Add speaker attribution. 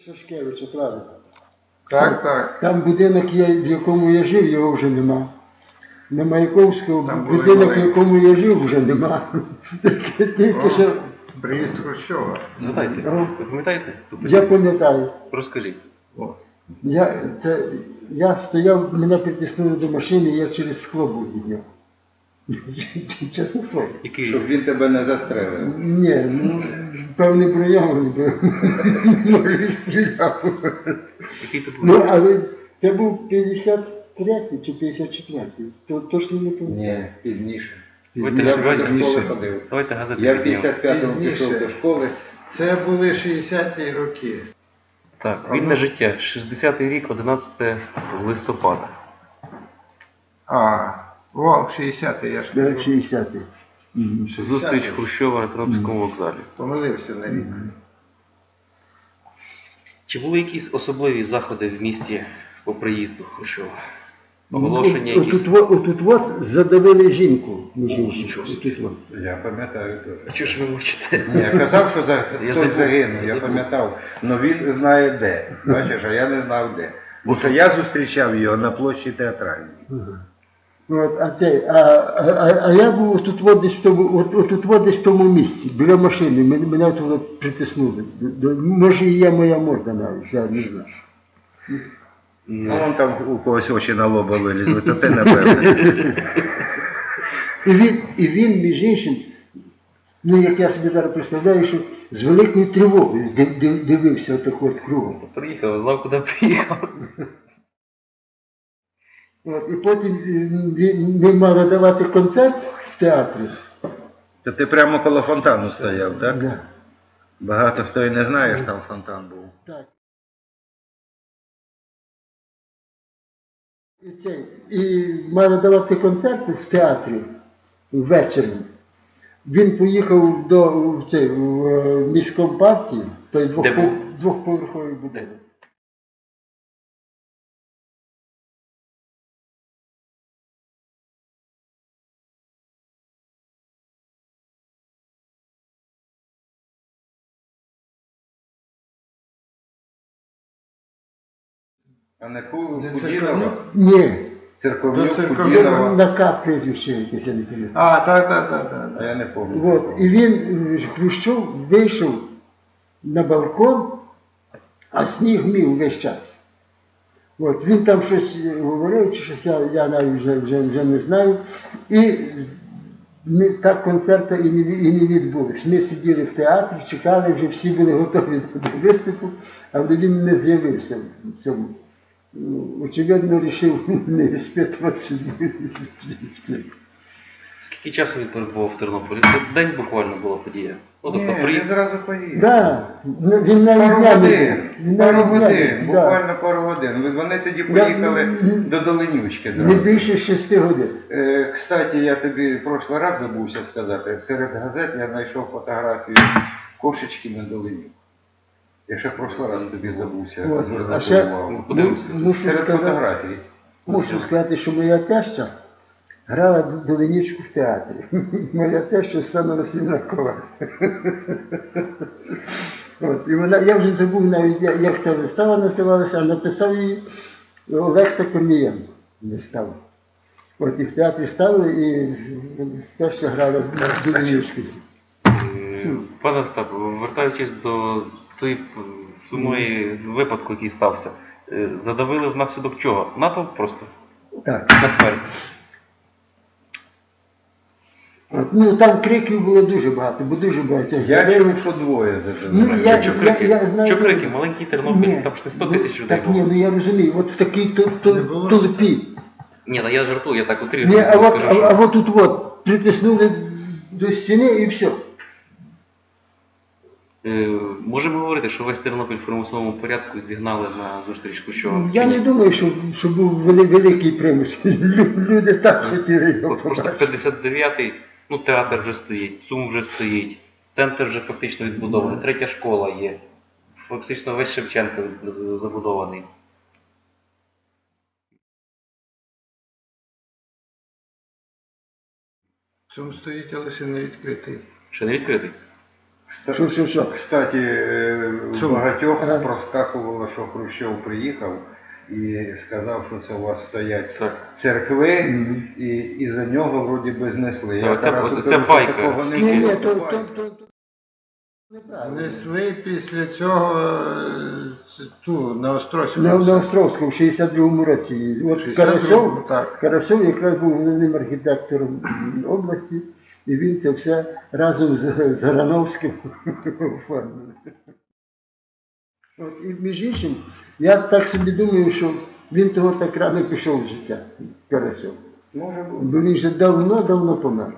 Speaker 1: Шашкевича, правильно.
Speaker 2: Так, так.
Speaker 1: Там будинок, в якому я жив, його вже нема. На Маяковського
Speaker 2: Там були
Speaker 1: будинок, в
Speaker 2: маленькі.
Speaker 1: якому я жив, вже нема. Тільки що
Speaker 2: Приїзд Хрущова.
Speaker 3: Згадайте,
Speaker 1: Ага.
Speaker 3: ви пам'ятаєте?
Speaker 1: я пам'ятаю.
Speaker 3: Розкажіть.
Speaker 2: О.
Speaker 1: Я стояв, мене притиснули до машини, я через скло був від нього. Чесне слово.
Speaker 3: Який?
Speaker 4: Щоб він тебе не застрелив.
Speaker 1: Ні, ну, певний броньований був. Може, і стріляв.
Speaker 3: Який то був?
Speaker 1: Ну, але це був 53-й чи 54-й. То точно не пам'ятаю.
Speaker 4: Ні, пізніше.
Speaker 3: Давайте,
Speaker 4: Я
Speaker 3: давайте,
Speaker 4: до школи ходив.
Speaker 3: давайте газети
Speaker 4: Я в
Speaker 3: піднімемо.
Speaker 4: 55-му
Speaker 2: Пізніше.
Speaker 4: пішов до школи.
Speaker 2: Це були 60-ті роки.
Speaker 3: Так, вільне життя. 60-й рік, 11 листопада.
Speaker 2: О, 60-й, я ж
Speaker 1: Да,
Speaker 2: кажу.
Speaker 1: 60-й. Мгм.
Speaker 3: Зустріч Хрущова на Тернопільському вокзалі.
Speaker 2: Помилився на рік.
Speaker 3: Чи були якісь особливі заходи в місті по приїзду Хрущова? Оголошення якісь?
Speaker 1: Отут задавили жінку, між іншим. Отут от.
Speaker 4: Я пам'ятаю
Speaker 3: А
Speaker 4: теж.
Speaker 3: чого ж ви мовчите?
Speaker 4: Ні, я казав, що
Speaker 3: Я
Speaker 4: хтось
Speaker 3: забув.
Speaker 4: загинув, я
Speaker 3: Забув.
Speaker 4: пам'ятав. Але він знає де. Бачиш, а я не знав де. Бо що я зустрічав його на площі Театральній.
Speaker 1: От, а я був отут десь в тому місці, біля машини, мене туди притиснули. Може і є моя морда навіть, я не знаю.
Speaker 4: Ну, вон там у когось очі на лоба вилізли, то ти, напевно.
Speaker 1: І він, між іншим, ну як я собі зараз представляю, що з великою тривогою дивився отак от кругом.
Speaker 3: Приїхав, знав, куди приїхав.
Speaker 1: От, і потім ми мали давати концерт в театрі.
Speaker 4: То ти прямо коло фонтану стояв, так?
Speaker 1: Да.
Speaker 4: Багато хто і не знає, що там фонтан був.
Speaker 1: Так. І мали давати концерт в театрі ввечері. Він поїхав в міськомпартію, той
Speaker 3: Де був?
Speaker 1: двохповерховий будинок.
Speaker 4: А не Кудінова?
Speaker 1: Ні,
Speaker 4: Церковнюк,
Speaker 2: Церковнюк
Speaker 4: Кудінова.
Speaker 1: на К прізвище якесь, я не пам'ятаю.
Speaker 2: Так.
Speaker 4: А я не пам'ятаю.
Speaker 1: От, і він, Хрущов, вийшов на балкон, а сніг мів весь час. От, він там щось говорив, чи щось, я навіть вже не знаю. І так концерту і не відбулось. Ми сиділи в театрі, чекали, вже всі були готові до виступу, але він не з'явився в цьому. Очевидно, вирішив не спитуватися.
Speaker 3: Скільки часу він перебував в Тернополі? Це день буквально була подія. Ну, тобто
Speaker 4: Ні, він
Speaker 3: приїхав.
Speaker 4: зразу поїхав.
Speaker 1: Да, він навіть
Speaker 4: Пару
Speaker 1: дня не
Speaker 4: годин,
Speaker 1: був. Він
Speaker 4: пару
Speaker 1: навіть дня не
Speaker 4: годин,
Speaker 1: був, да.
Speaker 4: буквально пару годин. Вони тоді поїхали до Доленючки
Speaker 1: Не
Speaker 4: зразу.
Speaker 1: більше 6 годин.
Speaker 4: Кстати, я тобі в прошлий раз забувся сказати, серед газет я знайшов фотографію кошечки на Доленюк. Я ще в прошлий раз тобі забувся
Speaker 1: От, а
Speaker 4: звернути
Speaker 1: ще
Speaker 4: увагу.
Speaker 1: мушу
Speaker 4: Серед фотографій.
Speaker 1: сказати, що моя теща грала Доленічку в театрі. Моя теща Оксана Василівна Коваль. От, і вона, я вже забув навіть, як та вистава називалася, а написав її Олекса Корнієнко. Виставу. От і в театрі ставили, і теща грала на Доленічку.
Speaker 3: Пане Остап, вертаючись до тої сумної випадку, який стався, задавили внаслідок чого? Натовп просто?
Speaker 1: Так.
Speaker 3: На смерть.
Speaker 1: От, ну там криків було дуже багато, бо дуже багато.
Speaker 4: Я чув, що двоє
Speaker 1: Ну,
Speaker 4: задали.
Speaker 1: я знаю.
Speaker 3: Що крики? Маленький Тернопіль, там ж не 100 тисяч людей
Speaker 1: Так ні,
Speaker 3: було.
Speaker 1: ну я розумію, от в такій толпі.
Speaker 3: Ні, ну я жартую, я так
Speaker 1: Ні,
Speaker 3: утрирую.
Speaker 1: а от тут от притиснули до стіни і все.
Speaker 3: Можемо говорити, що весь Тернопіль в примусовому порядку зігнали на зустріч Хрущова?
Speaker 1: Я не думаю, що був великий примус. Люди так хотіли його
Speaker 3: От просто
Speaker 1: побачити.
Speaker 3: 59-й, ну театр вже стоїть, ЦУМ вже стоїть, центр вже фактично відбудований, третя школа є. Фактично весь Шевченко забудований.
Speaker 2: Чому стоїть, але ще не відкритий.
Speaker 3: Ще не відкритий?
Speaker 1: Що?
Speaker 4: Кстати, у
Speaker 1: Чому?
Speaker 4: багатьох
Speaker 1: Ага.
Speaker 4: проскакувало, що Хрущов приїхав і сказав, що це у вас стоять
Speaker 3: Так.
Speaker 4: церкви,
Speaker 1: Мгм.
Speaker 4: і за нього вроді би знесли.
Speaker 3: Та
Speaker 4: Я
Speaker 3: оце-
Speaker 4: Тарасу
Speaker 3: оце
Speaker 4: кажу, що
Speaker 3: байка.
Speaker 4: такого не
Speaker 1: Ні,
Speaker 4: було.
Speaker 1: то
Speaker 4: Байка.
Speaker 1: неправильно.
Speaker 2: Несли після цього ту на Острозькому.
Speaker 1: На Островському в 62-му році. От
Speaker 2: 62-му, так.
Speaker 1: Карасьов якраз був головним архітектором області, і він це все разом з Грановським оформив. От, і між іншим, я так собі думаю, що він того так рано пішов в життя, Карасьов.
Speaker 4: Може бути.
Speaker 1: Бо він вже давно помер.